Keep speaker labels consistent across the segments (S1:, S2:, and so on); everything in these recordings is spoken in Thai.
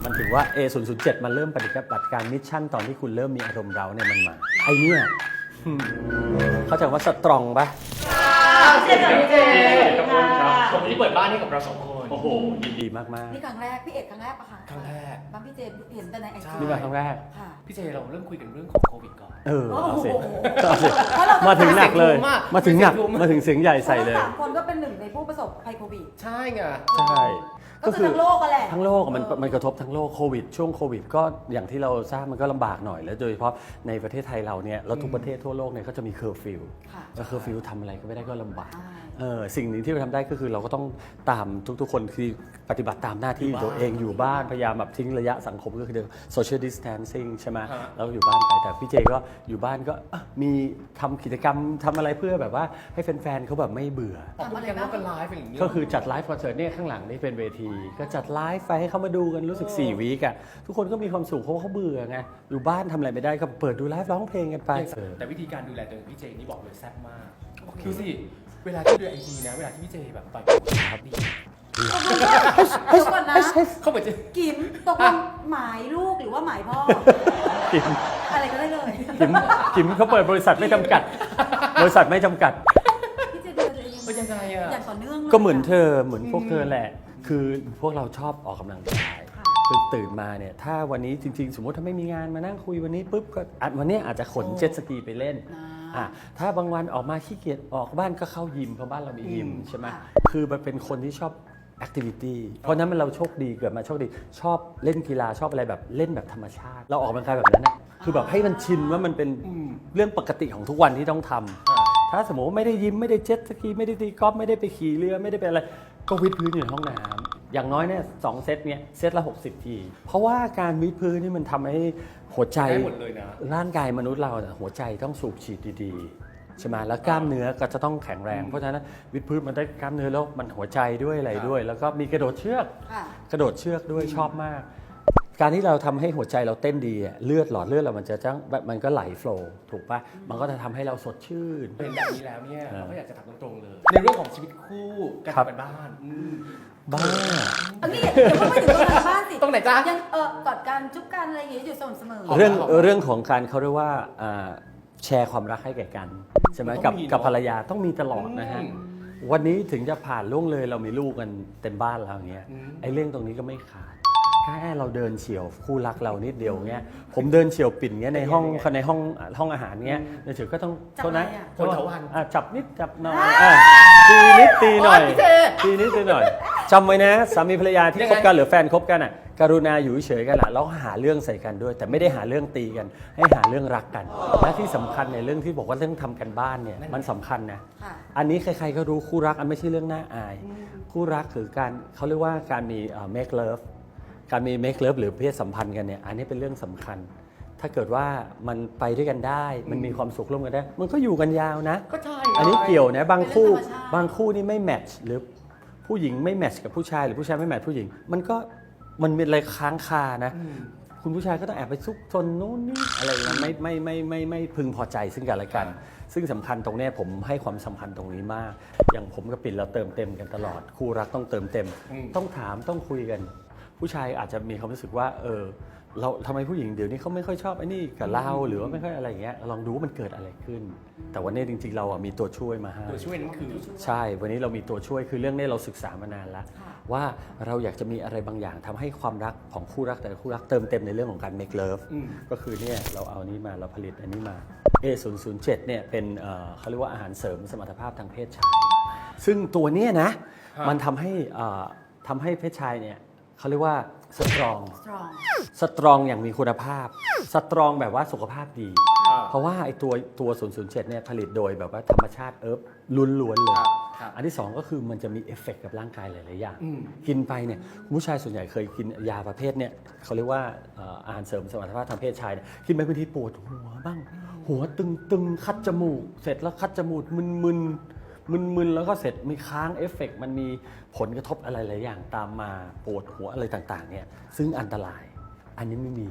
S1: มันถึงว่า A007 มันเริ่มปฏิบัติการมิชชั่นตอนที่คุณเริ่มมีอารมณ์เร้าเนี่ยมันมาไอเนี่ยเข้าใจว่าสตรองปะ
S2: เจขอบคุณครับวันนี้เปิดบ้านให้กับเราสองคน
S1: โอ้โหยินดีมาก
S3: นี่ครั้งแรกพี่เอกครั้งแรกปะคะ
S2: ครั้งแรก
S3: บ้านพี่เจเห็นแต่ในไอจี
S1: ๆนี่มาครั้งแรก
S3: ค่ะ
S2: พี่เจเราเริ่มคุยกันเรื่องของโควิดก่อน
S1: เอาสิ
S3: โอ้โห
S1: เอาสิ
S3: เพราะเรา
S1: มาถึงหนักเลย
S2: เสียงทุ้มอะ
S1: มาถึงหนัก
S2: เสียงทุ้ม
S1: มาถึงเสียงใหญ่ใส่เลย
S3: พราะราสามคนก็เป็นหนึ่งในผู้ประสบภัยโควิด
S2: ใช่ไง
S1: ใช่
S3: ก็คือทั้งโลกกันแหละ
S1: ทั้งโลกอะมันกระทบทั้งโลกโควิดช่วงโควิดก็อย่างที่เราทราบมันก็ลำบากหน่อยแล้วโดยเฉพาะในประเทศไทยเราเนี่ยแล้วทุกประเทศทั่วโลกเนี่ยก็จะมีเคอร์ฟิว
S3: ค่ะ
S1: แล้วเคอร์ฟิวทำอะไรก็ไม่ได้ก็ลำบาก
S3: ใช่
S1: สิ่งหนึ่งที่เราทำได้ก็คือเราก็ต้องตามทุกๆคนคือปฏิบัติตามหน้าที่ตัวเองอยู่บ้านพยายามแบบทิ้งระยะสังคมก็คือ social distancing ใช่ไหมแล้วอยู่บ้านไปแต่พี่เจก็อยู่บ้านก็มีทำกิจกรรมทำอะไรเพื่อแบบว่าให้แฟนๆเขาแบบไม่เบื่อ
S2: ออกมากันแล้วก็ไลฟ์อย่างนี้
S1: ก็คือจัดไลฟ์คอนเสิร์ตเนี่ยข้างหลังนี่เป็นเวที ก็จัดไลฟ์ไปให้เขามาดูกันรู้สึก4 วีคอะทุกคนก็มีความสุขเพราะว่าเขาเบื่อไงอยู่บ้านทำอะไรไม่ได้ก็เปิดดูไลฟ์ร้องเพลงกันไป
S2: แต่วิธีการดูแลตัวเองพี่เจนี่บอกเลยแซ่บมากดูสิเวลาที่ดูไอจีนะเวลาที่พี่เจแบบต่อยโครับดี
S3: เดี๋ยวก่อนนะ
S2: เขาเหมือนจะ
S3: กิมตกลงหมายลูกหรือว่าหมายพ่อ
S1: กิม
S3: อะไรก็ได้เลย
S1: กิมเขาเปิดบริษัทไม่จำกัด บริษัทไม่จำกัด
S3: พี่เจดูแลตัวเอง
S2: เป็นยังไงอะ
S3: อย่างต่อเนื่องลย
S1: ก็เหมือนเธอเหมือนพวกเธอแหละ คือพวกเราชอบออกกำลังกายคือตื่นมาเนี่ยถ้าวันนี้จริงๆ สมมติถ้าไม่มีงานมานั่งคุยวันนี้ปุ๊บก็วันนี้อาจจะขนเจ็ตสกีไปเล่นถ้าบางวันออกมาขี้เกียจออกบ้านก็เข้ายิมเพราะบ้านเรามียิมใช่ไหมคือมันเป็นคนที่ชอบแอคทิวิตี้เพราะนั้นเราโชคดีเกิดมาโชคดีชอบเล่นกีฬาชอบอะไรแบบเล่นแบบธรรมชาติ เราออกกำลังกายแบบนั้นนะคือแบบให้มันชินว่ามันเป็นเรื่องปกติของทุกวันที่ต้องทำถ้าสมมติว่าไม่ได้ยิมไม่ได้เจ็ตสกีไม่ได้ตีกอล์ฟไม่ได้ไปขี่เรือไม่ได้ไปอะไรก็วิดพื้นอยู่ในห้องน้ำอย่างน้อยเนี่ย2 เซตเนี่ยเซตละ60 ทีเพราะว่าการวิดพื้นนี่มันทำให้หัวใจ
S2: ได้หมดเลยนะ
S1: ร่างกายมนุษย์เราหัวใจต้องสูบฉีดดีๆใช่ไหมแล้วกล้ามเนื้อก็จะต้องแข็งแรง เพราะฉะนั้นวิดพื้นมันได้กล้ามเนื้อแล้วมันหัวใจด้วยอะไรด้วย แล้วก็มีกระโดดเชือก
S3: ค่ะ
S1: กระโดดเชือกด้วยชอบมาก การที่เราทำให้หัวใจเราเต้นดีเลือดหลอดเลือดเรามันก็ไหลโฟลว์ถูกปะมันก็จะทำให้เราสดชื่น
S2: เป็นแบบนี้แล้วเนี่ยเราก็อยากจะถามตรงๆเลย ในเรื่องของชีวิตคู่การ
S1: ครับ
S2: ทำกันบ้าน
S1: บ้า
S3: อันนี้เดี๋ยวไม่ถึงตรงนั้นบ้านสิ
S2: ตรงไหนจ๊ะ
S3: ยังกอดกันจุ๊บกันอะไรอย่างเงี้ยอยู่สม่ำเสมอ
S1: เรื่องของการเขาเรียกว่าแชร์ความรักให้แก่กันใช่ไหม
S2: ต้องมี
S1: กับ
S2: เนอะ
S1: ภรรยาต้องมีตลอดนะฮะ
S2: อืม
S1: วันนี้ถึงจะผ่านล่วงเลยเรามีลูกกันเต็มบ้านแล้วอย่างเงี้ย
S2: อืม
S1: ไอ้เรื่องตรงนี้ก็ไม่ขาดแค่เราเดินเฉียวคู่รักเรานิดเดียวเงี้ยผมเดินเฉียวปิ่นเงี้ยในห้องอาหารเงี้ยเดี๋ยวก็ต้อง
S3: จับ
S1: โทษนะ
S3: อะไรอะ
S1: โทษ
S2: คนเถาวัลย์
S1: จับนิดจับหน่อยตีนิดตีหน่อย
S2: โอ๊ยพี่เจ
S1: ตีนิดตีหน่อยจำไว้นะสามีภรรยาที่
S2: ยัง
S1: ค
S2: ไง
S1: บกันหรือแฟนคบกันอ่ะกรุณาอยู่เฉยๆกันละแล้วหาเรื่องใส่กันด้วย แต่ไม่ได้หาเรื่องตีกัน ให้หาเรื่องรักกัน และที่สำคัญในเรื่องที่บอกว่าเรื่องทำกันบ้านเนี่ยมันสำคัญนะ
S3: ค่ะ
S1: อันนี้ใครๆก็รู้คู่รักอันไม่ใช่เรื่องน่าอาย คู่รักคือการเขาเรียกว่าการมีmake love การมี make love หรือเพศสัมพันธ์กันเนี่ยอันนี้เป็นเรื่องสำคัญ ถ้าเกิดว่ามันไปด้วยกันได้ มันมีความสุขร่วมกันได้ มันก็อยู่กันยาวนะ
S2: ก็ใช่
S1: อันนี้เกี่ยวนะบางคู่
S3: เป็นเรื่องธรรมชาติ
S1: บางคู่นี่ไม่แมทช์หรือผู้หญิงไม่แมทช์กับผู้ชายหรือผู้ชายไม่แมทช์ผู้หญิง มันเป็นอะไรค้างคานะ คุณผู้ชายก็ต้องแอบไปซุกซนนู้นนี่อะไรอย่างนั้นไม่พึงพอใจซึ่งกันและกัน ซึ่งสำคัญตรงเนี้ยผมให้ความสำคัญตรงนี้มาก อย่างผมกับปิ่นเราเติมเต็มกันตลอด คู่รักต้องเติมเต็ม ต้องถามต้องคุยกัน ผู้ชายอาจจะมีความรู้สึกว่าเราทำไมผู้หญิงเดี๋ยวนี้เขาไม่ค่อยชอบไอ้นี่กับเราหรือว่าไม่ค่อยอะไรอย่างเงี้ยลองดูว่ามันเกิดอะไรขึ้น แต่วันนี้จริงๆเรามีตัวช่วยมาให้
S2: ตัวช่วยนั้นคือ
S1: ใช่วันนี้เรามีตัวช่วยคือเรื่องนี้เราศึกษามานานแล้ว
S3: ค่ะ
S1: ว่าเราอยากจะมีอะไรบางอย่างทำให้ความรักของคู่รักแต่ละคู่รักเติมเต็มในเรื่องของการ make love ก็คือเนี่ยเราเอานี้มาเราผลิตอันนี้มา A007 เนี่ยเป็นเขาเรียกว่าอาหารเสริมสมรรถภาพทางเพศชาย ซึ่งตัวเนี้ยนะมันทำให้เพศชายเนี่ยเขาเรียกว่าสตรอง
S3: strong
S1: สตรองอย่างมีคุณภาพ สตรองแบบว่าสุขภาพดี เพราะว่าไอ้ตัว 007 เนี่ยผลิตโดยแบบว่าธรรมชาติล้วนๆเลย
S2: ครับ
S1: อันที่สองก็คือมันจะมีเอฟเฟกต์กับร่างกายหลายๆอย่าง กินไปเนี่ยผู้ชายส่วนใหญ่เคยกินยาประเภทเนี่ยเขาเรียกว่าอาหารเสริมสมรรถภาพทางเพศชายเนี่ยกินไปบางทีปวดหัวบ้าง หัวตึงๆ คัดจมูก เสร็จแล้วคัดจมูกมึนแล้วก็เสร็จมีค้างเอฟเฟกต์มันมีผลกระทบอะไรหลายอย่างตามมาปวดหัวอะไรต่างๆเนี่ยซึ่งอันตราย อันนี้ไม่มี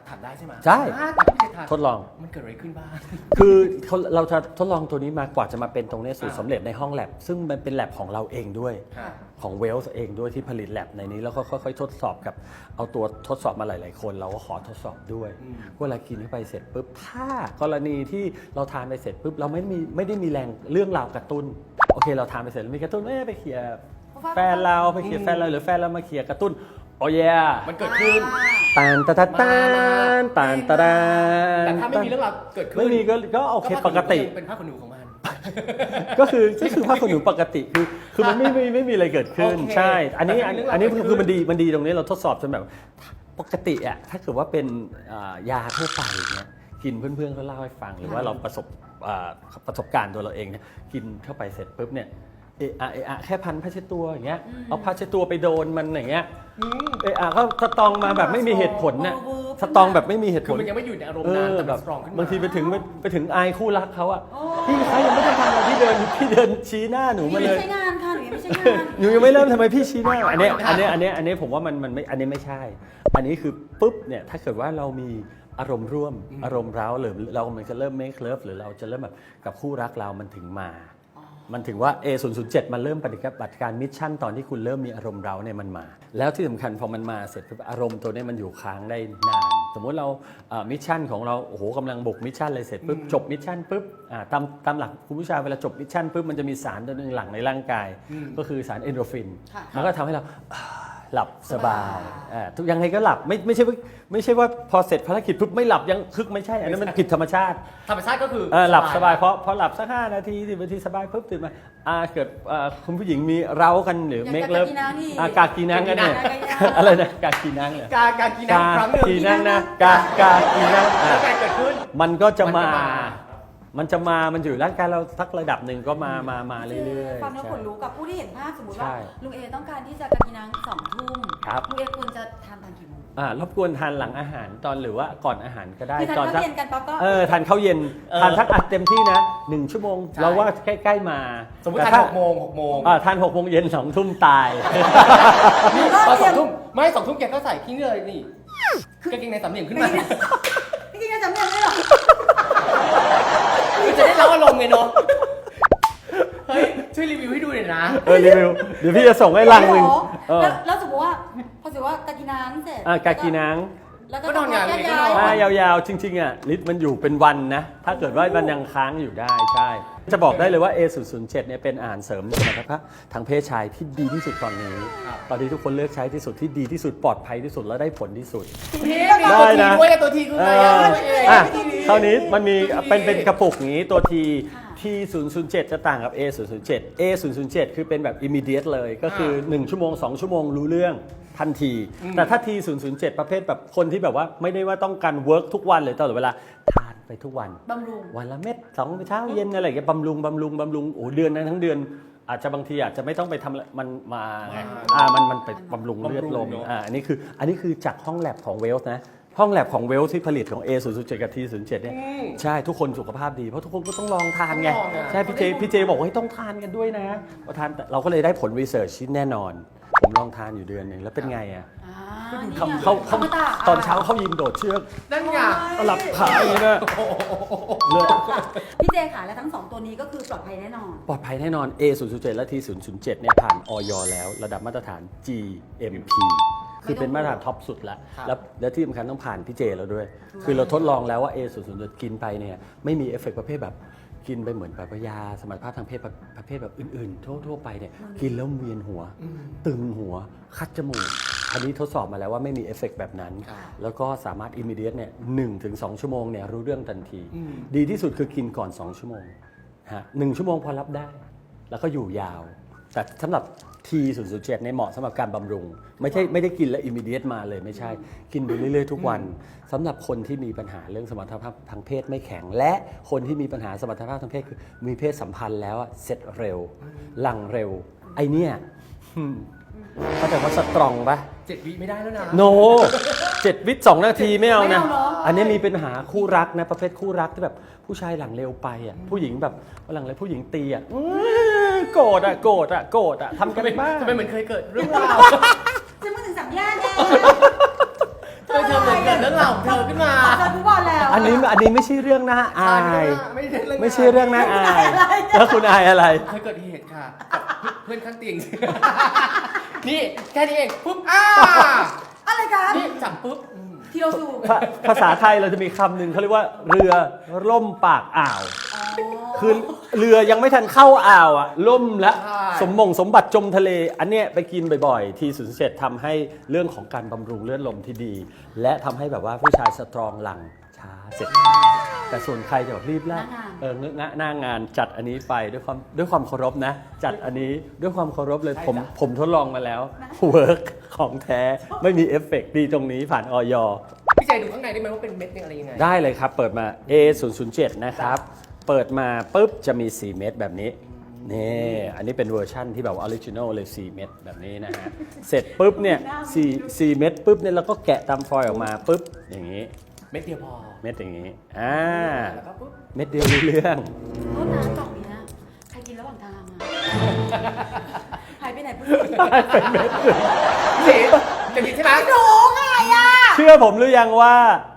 S2: ถามได้ใช่ไหม
S1: ใช่
S2: ตอนที่พี่เจทาน
S1: ทดลอง
S2: มันเกิดอะไรขึ้นบ้าง
S1: คือเราจะทดลองตัวนี้มากว่าจะมาเป็นตรงนี้สูตรสำเร็จในห้องแลบซึ่งมันเป็นแลบของเราเองด้วย
S2: ค่ะ
S1: ของเวลส์เองด้วยที่ผลิตแลบในนี้แล้วก็ค่อยๆทดสอบกับเอาตัวทดสอบมาหลายๆคนเราก็ขอทดสอบด้วยเวลากินเข้าไปเสร็จปุ๊บถ้ากรณีที่เราทานไปเสร็จปุ๊บเราไม่ได้มีแรงเรื่องราวกระตุ้นโอเคเราทานไปเสร็จแล้วมีกระตุ้นไปเคลียร์แฟนเราไปเคลียร์แฟนเราหรือแฟนเรามาเคลียร์กระตุ้นโอ้ย
S2: มันเกิดขึ้น
S1: ตานตาตาตานตานตาดา
S2: แต่ถ้าไม่มีเรื่องราวเกิดขึ้น
S1: ไม่มีก็โอเคปกติ
S2: เป็นผ้าขนหนูของมัน
S1: ก็คือผ้าขนหนูปกติคือมันไม่มีอะไรเกิดขึ้น
S2: โอเค
S1: ใช่ อันนี้
S2: แต่ถ้ามีเรื่องราว
S1: อันนี้
S2: เกิดขึ้น
S1: คือมันดีตรงนี้เราทดสอบจนแบบปกติอะถ้าเกิดว่าเป็นยาทั่วไปเนี่ยกินเพื่อนๆเขาเล่าให้ฟังหรือว่าเราประสบการณ์ตัวเราเองเนี่ยกินเข้าไปเสร็จปุ๊บเนี่ยเอะแค่พันผ้าเช็ดตัวอย่างเงี้ยเอาผ้าเช็ดตัวไปโดนมันอย่างเงี้ยก็สตองมาแบบไม่มีเหตุผลน่ะสตองแบบไม่มีเหตุ
S2: คื
S1: ผ
S2: อ
S1: ล
S2: มันยังไม่อยู่ในอารมณ์นั้นแต่มันสตรองขึ้นมา
S1: บางทีไปถึงอายคู่รักเขาอะพี่คะยังไม่ได้ทำอะไรพี่เดินชี้หน้าหนูมา
S3: ไม่
S1: เลย
S3: ใช่งานค่ะหนูยังไม่ใช่งาน
S1: หนูยังไม่เริ่มทำไมพี่ชี้หน้าอันนี้ผมว่ามันไม่อันนี้ไม่ใช่ อันนี้คือปุ๊บเนี่ยถ้าเกิดว่าเรามีอารมณ์ร่วมอารมณ์ร้าวหรือเรามันจะเริ่ม make love หรือเราจะเริ่มแบบกับคู่รักเรามันถึงมา มันถึงว่า A007 มันเริ่มปฏิบัติการมิชชั่นตอนที่คุณเริ่มมีอารมณ์เราเนี่ยมันมา แล้วที่สำคัญพอมันมาเสร็จปุ๊บอารมณ์ตัวนี้มันอยู่ค้างได้นาน สมมุติเรามิชชั่นของเราโอ้โหกำลังบุกมิชชั่นเลยเสร็จปุ๊บจบมิชชั่นปุ๊บตามหลักคุณผู้ชายเวลาจบมิชชั่นปุ๊บมันจะมีสารตัวหนึงหลั่งในร่างกาย ก็คือสารเอนโดรฟิน
S3: ค่ะ
S1: มันก็ทำให้เราหลับสบายทุกยังไงก็หลับไม่ใช่ว่าพอเสร็จภารกิจปุ๊บไม่หลับยังคึกไม่ใช่อันนั้นมันผิดธรรมชาติ
S2: ธรรมชาติก็คือ
S1: หลับสบายเพราะหลับสัก5 นาที10 นาทีสบายปุ๊บตื่นมาเกิดคุณผู้หญิงมีเร้ากันหรือเมคเลิฟกากีนังกันเนี่ยอะไรนะกากีนังเหรอก
S2: ากีนังครั้งหนึ่ง
S1: กีนังนะกากีนัง
S2: แล้วการเกิดขึ้น
S1: มันก็จะ
S2: มัน
S1: มันอยู่ร่างกายเราสักระดับหนึ่งก็มาเรื่อยๆ
S3: ฟังแล้ว
S1: ใช่
S3: ขนลุกกับผู้ที่เห็นภาพสมมติ
S1: ใช่
S3: ว่าลุงเอต้องการที่จะกระกินนัง2 ทุ่ม
S1: ครับ
S3: ลุงเอควรจะทานตอนกี่โมง
S1: รบกวนทานหลังอาหารตอนหรือว่าก่อนอาหารก็ได้
S3: คือทาน
S1: ตอน
S3: ข้าวเย็นกันปั๊บก็
S1: ทานข้าวเย็นทานทักอัดเต็มที่นะ1 ชั่วโมง
S2: ใช่
S1: เราว่าใกล้ๆมา
S2: สมมติ
S1: แต่
S2: ทาน6 โมง
S1: ทาน6 โมงเย็น2 ทุ่มตาย
S2: พอ2 ทุ่มไม่2 ทุ่มแกก็ใส่ทิ้งเลยนี่กางเกงในสามเหลี่ยมขึ้นมา
S3: พี่กินกันจำเนียนได้หรอ
S2: คือจะได้รับอารมณ์ไงเนาะเฮ้ยช่วยรีวิวให้ดูหน่อยนะ
S1: รีวิวเดี๋ยวพี่จะส่งให้ลังหนึ่ง
S3: แล้วสมมติว่าพอสมมติว่ากระกินนังเสร็จ
S1: กากีนัง
S3: แล้วก็
S2: ก็นอนอย่างเดียวก็นอน
S1: ถ้ายาวๆจริงๆฤทธิ์มันอยู่เป็นวันนะถ้าเกิดว่ามันยังค้างอยู่ได้ใช่จะบอกได้เลยว่า A007 เนี่ยเป็นอาหารเสริมสมรรถภาพทางเพศชายที่ดีที่สุดตอนนี้ตอนนี้ทุกคนเลือกใช้ที่สุดที่ดีที่สุดปลอดภัยที่สุดและได้ผลที่สุด
S2: ได้นะตัวทีคืออะไร
S1: คราวนี้มันมีเป็นกระปุกอย่างนี้ตัวที T007 จะต่างกับ A007 A007 คือเป็นแบบ immediate เลยก็คือ1 ชั่วโมง2 ชั่วโมงรู้เรื่องทันที แต่ถ้า T007 ประเภทแบบคนที่แบบว่าไม่ได้ว่าต้องการ work ทุกวันเลยตลอดเวลาทานไปทุกวัน
S3: บำรุง
S1: วันละเม็ด2 เช้าเย็นอะไรอย่างเงี้ยบำรุงโอ้เดือนนั้นทั้งเดือนอาจจะบางทีอาจจะไม่ต้องไปทำมันมาไงมันไปบำรุงเลือดลมอันนี้คือจากห้องแลบของเวลส์นะห้องแลบของเวลส์ที่ผลิตของ A007 กับ T07 เนี่ยใช่ทุกคนสุขภาพดีเพราะทุกคนก็ต้องลองทานไงใช่พี่เจบอกว่าให้ต้องทานกันด้วยนะพอทานเราก็เลยได้ผลรีเสิร์ชที่แน่นอนผมลองทานอยู่เดือนหนึ่งแล้วเป็นไงอ่ะเขาตอนเช้าเขายิมโดดเชือก
S2: นั่นไง
S1: หลับขาอย่างนี้นะเลือด
S3: พี่เจค่ะและทั้ง 2 ตัวนี้ก็คือปลอดภัยแน่นอน
S1: ปลอดภัยแน่นอน A007 และ T007 เนี่ยผ่านออยแล้วระดับมาตรฐาน GMP คือเป็นมาตรฐานท็อปสุดแล้วและที่สำคัญต้องผ่านพี่เจแล้วด้วย คือเราทดลองแล้วว่า A007 กินไปเนี่ยไม่มีเอฟเฟกต์ประเภทแบบกินไปเหมือนแบบยาสมรรถภาพทางเพศประเภทแบบอื่นๆทั่วไปเนี่ยกินแล้วเวียนหัวตึงหัวคัดจมูกอันนี้ทดสอบมาแล้วว่าไม่มีเอฟเฟกต์แบบนั้น แล้วก็สามารถ immediate เนี่ย1 ถึง 2 ชั่วโมงเนี่ยรู้เรื่องทันที ดีที่สุดคือกินก่อน 2 ชั่วโมง1 ชั่วโมงพอรับได้ แล้วก็อยู่ยาว แต่สำหรับ T007 เนี่ยเหมาะสำหรับการบำรุงไม่ได้กินแล้ว immediate มาเลยไม่ใช่กินไปเรื่อยๆทุกวันสำหรับคนที่มีปัญหาเรื่องสมรรถภาพทางเพศไม่แข็งและคนที่มีปัญหาสมรรถภาพทางเพศคือมีเพศสัมพันธ์แล้วเสร็จเร็วหลังเร็วไอเนี่ยเข้าใจว่าสตรองปะ
S2: 7 วิไม่ได้แล้วนะ
S1: โน7 วิ 2 นาทีไม่เอานะ
S3: ไม่เอาเหรอ
S1: อันนี้มีปัญหาคู่รักนะประเภทคู่รักที่แบบผู้ชายหลังเร็วไปอ่ะผู้หญิงแบบหลังเร็วผู้หญิงตีอ่ะโกรธอ่ะทำกันบ้าง
S2: ทำไมเหมือนเคยเกิดเรื่องราว
S3: จะมาถึง3 แยกแน่
S2: เธอเหมือนเกิดเรื่องราวของเธอขึ้นมา
S1: นี้ไม่ใช่เรื่องน่าอาย ไม่ใช่เรื่องน่าอายแล้วคุณอายอะไร
S2: เคยเกิดเหตุค่ะกับเพื่อนข้างเตียง นี่แค่นี้เองปุ๊บ
S3: อะไรกัน
S2: นี่จับปุ๊บ
S3: ที่เราสูบ
S1: ภาษาไทยเราจะมีคำหนึ่งเขาเรียกว่าเรือล่มปากอ่าว คือเรือยังไม่ทันเข้าอ่าวอ่ะล่มแล้ว
S2: ใช่
S1: สมบัติจมทะเล อันเนี้ยไปกินบ่อยๆ ที07ทำให้เรื่องของการบำรุงเลือดลมที่ดี และทำให้แบบว่าผู้ชายสตรองหลังช้าเสร็จช้าแต่ส่วนใครจะแบบรีบแล้วหน้างานจัดอันนี้ไปด้วยความเคารพนะ จัดอันนี้ด้วยความเคารพเลยผมทดลองมาแล้วเวิร์กของแท้ไม่มีเอฟเฟกต์ดีตรงนี้ผ่านออย
S2: พี่เจดูข้างในได้ไหมว่าเป็นเม็ดเนี่ยอะไรยังไง
S1: ได้เลยครับเปิดมา A007 นะครับ เปิดมาปุ๊บจะมี 4 เม็ดแบบนี้นี่อันนี้เป็นเวอร์ชั่นที่แบบออริจินอลเลย 4 เม็ดแบบนี้นะฮะ เสร็จปุ๊บเนี่ย4เม็ดปุ๊บเนี่ยเราก็แกะตามฟอยล์ออกมาปุ๊บอย่างนี้
S2: เม็ดเดียวพอ
S1: เม็ดอย่างนี้
S2: แล้วก็ปุ๊บ
S1: เม็ดเดียวรู้เรื่อง
S3: โทษนะกล่องนี้นะใครกินระหว่างทางอะหายไปไหนพูด
S1: เป็นเม็ด
S2: พี่จะกินใช่ไหม
S3: หนูไงอะ
S1: เชื่อผมหรือยังว่า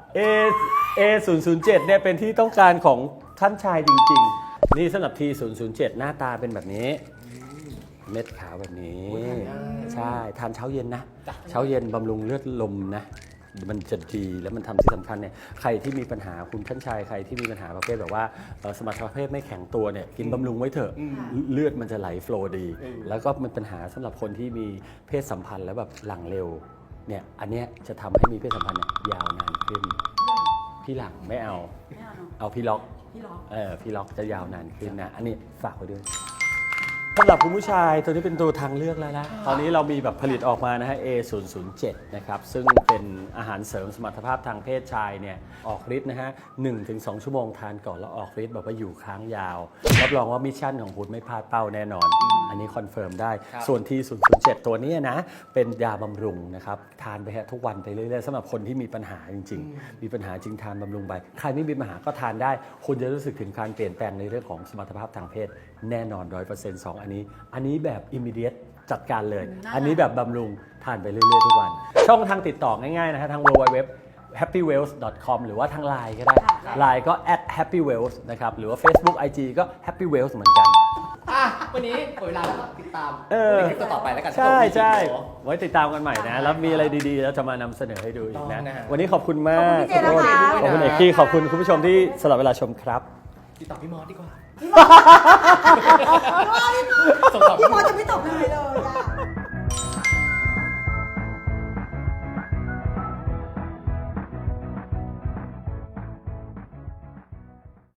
S1: A007 เนี่ยเป็นที่ต้องการของท่านชายจริงๆ นี่สำหรับ T007 หน้าตาเป็นแบบนี้ เม็ดขาวแบบนี้ ใช่ทานเช้าเย็นนะ เช้าเย็นบำรุงเลือดลมนะ มันจะดีแล้วมันทำที่สำคัญเนี่ยใครที่มีปัญหาคุณท่านชายใครที่มีปัญหาประเภทแบบว่าสมรรถภาพไม่แข็งตัวเนี่ยกินบำรุงไว้เถอะเลือดมันจะไหลโฟลว์ดี แล้วก็มันปัญหาสำหรับคนที่มีเพศสัมพันธ์แล้วแบบหลังเร็วเนี่ยอันเนี้ยจะทำให้มีเพศสัมพันธ์เนี่ยยาวนานขึ้นพี่หลังไม่เอา
S3: ไม่เอาเนอะ
S1: เอาพี่ล็อก
S3: พี่ล็อก
S1: พี่ล็อกจะยาวนานขึ้นนะอันนี้ฝากไว้ด้วยสำหรับคุณผู้ชายตัวนี้เป็นตัวทางเลือกแล้วนะตอนนี้เรามีแบบผลิตออกมานะฮะ A007 นะครับซึ่งเป็นอาหารเสริมสมรรถภาพทางเพศชายเนี่ยออกฤทธิ์นะฮะ 1-2 ชั่วโมงทานก่อนแล้วออกฤทธิ์แบบว่าอยู่ค้างยาวรับรองว่ามิชชั่นของคุณไม่พลาดเป้าแน่นอน อันนี้คอนเฟิร์มได้ส่วน T007 ตัวนี้นะเป็นยาบำรุงนะครับทานไปฮะทุกวันไปเรื่อยๆสำหรับคนที่มีปัญหาจริงๆมีปัญหาจริงทานบำรุงไปใครไม่มีปัญหาก็ทานได้คุณจะรู้สึกถึงการเปลี่ยนแปลงในเรื่องของสมรรถภาพทางเพศแน่นอน 100% 2 อันนี้แบบ immediate จัดการเลย อันนี้แบบบำรุงทานไปเรื่อยๆทุกวัน ช่องทางติดต่อง่ายๆนะฮะทาง www.happywells.com หรือว่าทาง LINE ก็ได้ LINE ก็ @happywells นะครับหรือว่า Facebook IG ก็ happywells เหมือนกัน
S2: วันนี้หมดเวลาแล้วก็ติดตามในคลิปต่อไปแล้วกัน
S1: ใช่ไว้ติดตามกันใหม่นะแล้วมีอะไรดีๆแล้วจะมานำเสนอให้ดูอีกนะวันนี้ขอบคุณมาก
S3: ขอบคุณพี่เจนะคะ
S1: ขอบคุณเอกกี้ขอบคุณคุณผู้ชมที่สละเวลาชมครับ
S2: ติดต่อพี่มอสดีกว่า
S3: พี่มอจะไม่ตอบยังไงเลย